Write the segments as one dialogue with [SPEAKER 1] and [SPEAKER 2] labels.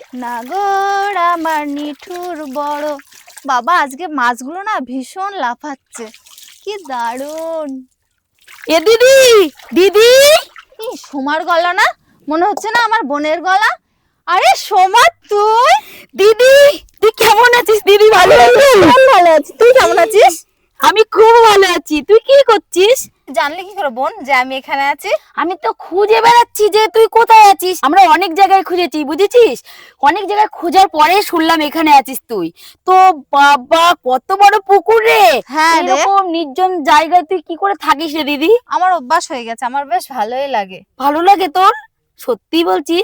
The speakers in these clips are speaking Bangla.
[SPEAKER 1] নাগর আমার নিঠুর বড়। বাবা আজকে মাছগুলো না ভীষণ লাফাচ্ছে, কি দারুণ।
[SPEAKER 2] এ দিদি, দিদি,
[SPEAKER 1] কি সোমার গলা না? মনে হচ্ছে না আমার বোনের গলা। আরে সোমা তুই?
[SPEAKER 2] দিদি, তুই কেমন আছিস দিদি? ভালো আছিস?
[SPEAKER 1] ভালো আছি, তুই কেমন আছিস?
[SPEAKER 2] আমি খুব ভালো আছি। তুই কি করছিস?
[SPEAKER 1] জানলি কি করে বোন যে আমি এখানে আছি?
[SPEAKER 2] আমি তো খুঁজে বেড়াচ্ছি যে তুই কোথায় আছিস। আমরা অনেক জায়গায় খুঁজেছি, বুঝেছিস? অনেক জায়গায় খোঁজার পরে শুনলাম এখানে আছিস তুই। তো বাবা, কত বড় পুকুর রে!
[SPEAKER 1] হ্যাঁ রে,
[SPEAKER 2] এরকম নির্জন জায়গায় তুই কি করে থাকিস রে দিদি?
[SPEAKER 1] আমার অভ্যাস হয়ে গেছে, আমার বেশ ভালোই লাগে।
[SPEAKER 2] ভালো লাগে তোর? সত্যি বলছিস?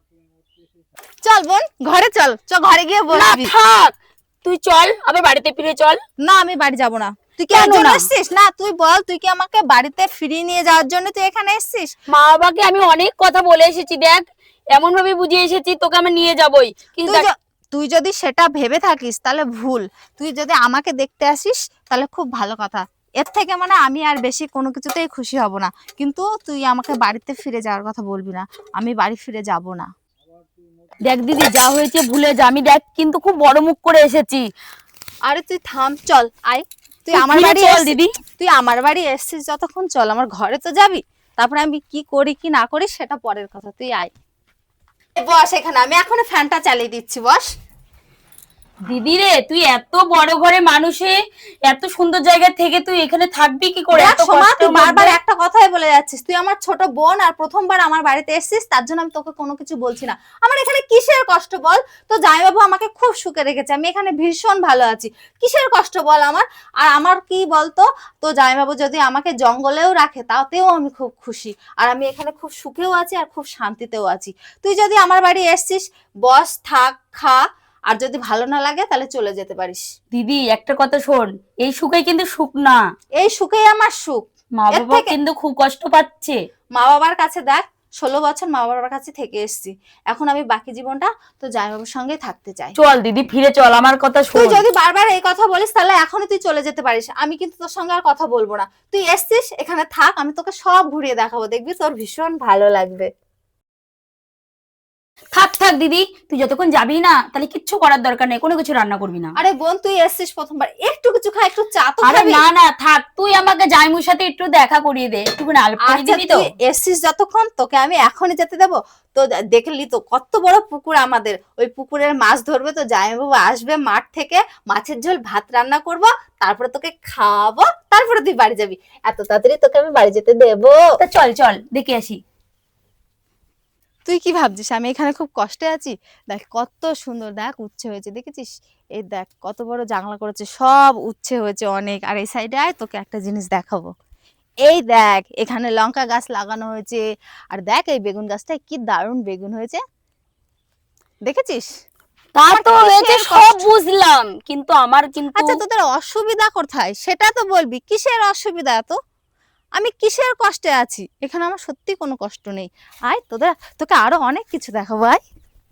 [SPEAKER 1] চল বোন ঘরে চল, ঘরে গিয়ে
[SPEAKER 2] না
[SPEAKER 1] বসবি।
[SPEAKER 2] থাক, তুই চল আবার বাড়িতে ফিরে চল।
[SPEAKER 1] না আমি বাড়ি যাব না। তুই কি
[SPEAKER 2] কেন
[SPEAKER 1] এর জন্য
[SPEAKER 2] না?
[SPEAKER 1] এসেছিস? না তুই বল, তুই কি আমাকে বাড়িতে ফিরিয়ে নিয়ে যাওয়ার জন্য তুই এখানে এসেছিস?
[SPEAKER 2] মা বাবাকে আমি অনেক কথা বলে এসেছি, দেখ এমন ভাবে বুঝিয়ে এসেছি তোকে আমি নিয়ে যাবই, কিন্তু
[SPEAKER 1] তুই যদি সেটা ভেবে থাকিস তাহলে ভুল। তুই যদি আমাকে দেখতে আসিস তাহলে খুব ভালো কথা। এর থেকে মানে আমি আর বেশি কোনো কিছুতেই খুশি হব না। কিন্তু তুই আমাকে বাড়িতে ফিরে যাওয়ার কথা বলবি না, আমি বাড়ি ফিরে যাব না।
[SPEAKER 2] দেখ দিদি, যা হয়েছে ভুলে যা। আমি দেখ কিন্তু খুব বড় মুখ করে এসেছি।
[SPEAKER 1] আরে তুই থাম, চল আয়। তুই
[SPEAKER 2] তুই
[SPEAKER 1] আমার
[SPEAKER 2] ফিরে
[SPEAKER 1] বাড়ি
[SPEAKER 2] চল দিদি।
[SPEAKER 1] তুই আমার বাড়ি এসেছিস যতক্ষণ, চল আমার ঘরে তো যাবি। তারপরে আমি কি করি কি না করি সেটা পরের কথা, তুই আয়। বস এখানে, আমি এখনো ফ্যানটা চালিয়ে দিচ্ছি, বস।
[SPEAKER 2] দিদি রে, তুই এত বড় ঘরে মানুষে এত সুন্দর জায়গা থেকে তুই এখানে থাকবি কি করে?
[SPEAKER 1] দেখ
[SPEAKER 2] এত
[SPEAKER 1] সোমা, তুই
[SPEAKER 2] কষ্টের
[SPEAKER 1] বারবার
[SPEAKER 2] মধ্যে।
[SPEAKER 1] একটা কথাই বলে যাচ্ছিস। তুই আমার ছোট বোন আর প্রথমবার আমার বাড়িতে এসেছিস, তার জন্য আমি তোকে কোনো কিছু বলছি না। আমার এখানে কিসের কষ্ট বল? তো জামাইবাবু আমাকে খুব সুখে রেখেছে, আমি এখানে ভীষণ ভালো আছি। কিসের কষ্ট বল আমার? আর আমার কি বলতো, তো জামাইবাবু যদি আমাকে জঙ্গলেও রাখে তাতেও আমি খুব খুশি। আর আমি এখানে খুব সুখেও আছি আর খুব শান্তিতেও আছি। তুই যদি আমার বাড়ি এসেছিস, বস, থাক, খা, আর যদি ভালো না লাগে তাহলে চলে যেতে পারিস।
[SPEAKER 2] দিদি একটা কথা শোন, এই সুখে কিন্তু সুখ না।
[SPEAKER 1] এই সুখেই আমার সুখ।
[SPEAKER 2] মা
[SPEAKER 1] এর
[SPEAKER 2] বাবা
[SPEAKER 1] থেকে
[SPEAKER 2] কিন্তু খুব কষ্ট পাচ্ছে।
[SPEAKER 1] মা বাবার কাছে দেখ, 16 বছর মা বাবার কাছে থেকে এসেছি। এখন আমি বাকি জীবনটা তো জামাইবাবুর সঙ্গে থাকতে চাই।
[SPEAKER 2] চল দিদি ফিরে চল, আমার কথা
[SPEAKER 1] তুই
[SPEAKER 2] শোন।
[SPEAKER 1] যদি বারবার এই কথা বলিস তাহলে এখনই তুই চলে যেতে পারিস, আমি কিন্তু তোর সঙ্গে আর কথা বলবো না। তুই এসছিস, এখানে থাক, আমি তোকে সব ঘুরিয়ে দেখাবো, দেখবি তোর ভীষণ ভালো লাগবে।
[SPEAKER 2] থাক থাক দিদি, তুই যতক্ষণ যাবি না তাহলে কিচ্ছু করার দরকার নেই, কোনো কিছু রান্না করবি না।
[SPEAKER 1] আরে বোন, তুই এসছিস প্রথমবার, একটু কিছু খা, একটু চা তো
[SPEAKER 2] আরে
[SPEAKER 1] খাবি।
[SPEAKER 2] না না থাক, তুই আমাকে জাইমুর সাথে একটু দেখা করিয়ে দে, একটু আলাপ করিয়ে
[SPEAKER 1] আচ্ছা
[SPEAKER 2] দিবি তো।
[SPEAKER 1] তুই এসছিস যতক্ষণ, তোকে আমি এখনই যেতে দেবো? তো দেখলি তো কত বড় পুকুর আমাদের, ওই পুকুরের মাছ ধরবে তো জামাইবাবু আসবে মাঠ থেকে, মাছের ঝোল ভাত রান্না করব, তারপরে তোকে খাওয়াবো, তারপরে তুই বাড়ি যাবি। এত তাড়াতাড়ি তোকে আমি বাড়ি যেতে দেবো?
[SPEAKER 2] তা চল চল দেখে আসি।
[SPEAKER 1] তুই কি ভাবছিস আমি এখানে খুব কষ্টে আছি? দেখ কত সুন্দর, দেখ উচ্ছে হয়েছে, দেখেছিস? এই দেখ কত বড় জাংলা করেছে, সব উচ্ছে হয়েছে অনেক। আর এই সাইডে আয়, তোকে একটা জিনিস দেখাবো। এই দেখ এখানে লঙ্কা গাছ লাগানো হয়েছে। আর দেখ এই বেগুন গাছটায় কি দারুণ বেগুন হয়েছে, দেখেছিস?
[SPEAKER 2] তা
[SPEAKER 1] আমার
[SPEAKER 2] তো হয়েছে
[SPEAKER 1] কিসের
[SPEAKER 2] সব
[SPEAKER 1] কষ্ট?
[SPEAKER 2] বুঝলাম, কিন্তু আমার কিন্তু
[SPEAKER 1] আচ্ছা তোদের অসুবিধা কোথায় সেটা তো বলবি, কিসের অসুবিধা? তো আমি কিসের কষ্টে আছি? এখানে আমার সত্যি কোনো কষ্ট নেই। আয় তোকে আরো অনেক কিছু দেখাবো, আয়।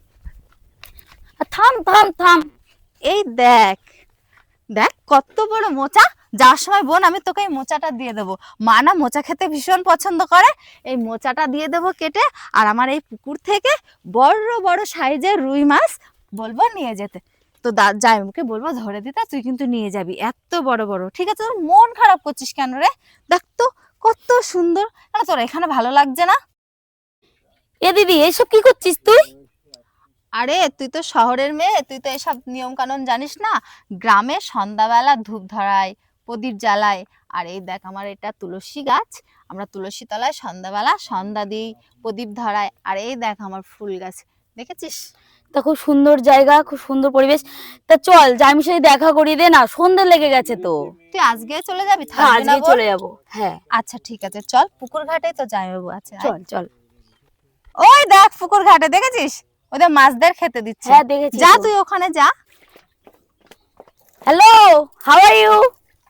[SPEAKER 2] থাম থাম থাম।
[SPEAKER 1] এই দেখ, দেখ কত বড় মোচা। যাওয়ার সময় বোন আমি তোকে এই মোচাটা দিয়ে দেবো। মা না মোচা খেতে ভীষণ পছন্দ করে, এই মোচাটা দিয়ে দেবো কেটে। আর আমার এই পুকুর থেকে বড় বড় সাইজের রুই মাছ বলবো নিয়ে যেতে। তো জামাইবাবুকে বলবো ধরে দিতে, তুই কিন্তু নিয়ে যাবি এত বড় বড়। ঠিক আছে? তোর মন খারাপ করছিস কেন রে? দেখ তো কত সুন্দর। কেন তোর এখানে ভালো লাগছে না?
[SPEAKER 2] এ দিদি, এসব কি করছিস তুই?
[SPEAKER 1] আরে তুই তো শহরের মেয়ে, তুই তো এসব নিয়ম কানুন জানিস না। গ্রামে সন্ধ্যাবেলা ধূপ ধরায়, প্রদীপ জ্বালায়। আর এই দেখ আমার এটা তুলসী গাছ, আমরা তুলসী তলায় সন্ধ্যাবেলা সন্ধ্যা দিই, প্রদীপ ধরায়। আর এই দেখ আমার ফুল গাছ, দেখেছিস?
[SPEAKER 2] তা খুব সুন্দর জায়গা, খুব সুন্দর পরিবেশ। তা চল জাইমুর সাথে দেখা করিয়ে দে না, সন্ধ্যা লেগে গেছে তো।
[SPEAKER 1] তুই আজকে চলে যাবি?
[SPEAKER 2] হ্যাঁ
[SPEAKER 1] থাকবি না
[SPEAKER 2] আজকে
[SPEAKER 1] বোন?
[SPEAKER 2] চলে যাবো, হ্যাঁ।
[SPEAKER 1] আচ্ছা ঠিক আছে, চল পুকুর ঘাটেই তো জামাইবাবু আছে, আয়।
[SPEAKER 2] চল চল।
[SPEAKER 1] ওই দেখ পুকুর ঘাটে, দেখেছিস? ওদের মাছদের খেতে দিচ্ছে।
[SPEAKER 2] হ্যাঁ দেখেছি
[SPEAKER 1] যা
[SPEAKER 2] তো।
[SPEAKER 1] তুই ওখানে যা।
[SPEAKER 2] Hello, how are you?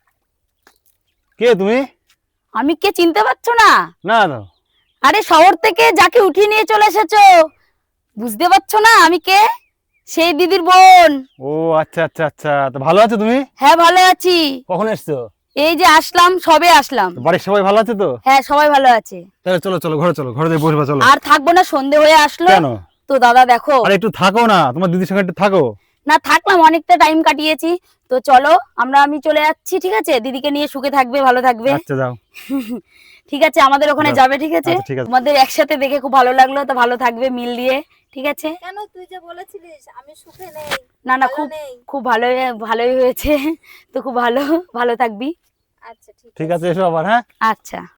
[SPEAKER 3] কে তুমি?
[SPEAKER 2] আমি কে চিনতে পারছো না?
[SPEAKER 3] না না।
[SPEAKER 2] আরে শহর থেকে যাকে উঠিয়ে নিয়ে চলে এসেছো, বুঝতে পারছো না আমি কে? সেই দিদির বোন।
[SPEAKER 3] ও আচ্ছা আচ্ছা আচ্ছা, তো ভালো আছো তুমি?
[SPEAKER 2] হ্যাঁ ভালো আছি।
[SPEAKER 3] কখন এসছো?
[SPEAKER 2] এই যে আসলাম, সবে আসলাম।
[SPEAKER 3] তো বাড়ির সবাই ভালো আছে তো?
[SPEAKER 2] হ্যাঁ সবাই ভালো আছে।
[SPEAKER 3] তাহলে চলো চলো ঘরে, চলো ঘরে দিয়ে বসবা, চলো।
[SPEAKER 2] আর থাকবো না, সন্ধে হয়ে আসলো।
[SPEAKER 3] কেন?
[SPEAKER 2] তো দাদা দেখো,
[SPEAKER 3] আরে একটু থাকো না, তোমার দিদির সঙ্গে একটু থাকো।
[SPEAKER 2] না থাকলাম, অনেকটা টাইম কাটিয়েছি। তো চলো আমি চলে যাচ্ছি, ঠিক আছে? দিদিকে নিয়ে সুখে থাকবে, ভালো থাকবে।
[SPEAKER 3] আচ্ছা যাও।
[SPEAKER 2] ঠিক আছে, আমাদের ওখানে
[SPEAKER 3] যাও।
[SPEAKER 2] যাবে, ঠিক আছে?
[SPEAKER 3] আচ্ছা, ঠিক আছে।
[SPEAKER 2] আমাদের একসাথে দেখে খুব ভালো লাগলো, তো ভালো থাকবে মিল দিয়ে, ঠিক আছে?
[SPEAKER 1] কেন তুই যে বলেছিলিস আমি সুখে নেই,
[SPEAKER 2] না না,
[SPEAKER 1] ভালো
[SPEAKER 2] খুব
[SPEAKER 1] নেই।
[SPEAKER 2] খুব ভালোই হয়েছে। তো খুব ভালো থাকবি।
[SPEAKER 1] আচ্ছা ঠিক
[SPEAKER 3] ঠিক
[SPEAKER 1] আছে।
[SPEAKER 3] আছে, এসো আবার, হ্যাঁ।
[SPEAKER 2] আচ্ছা।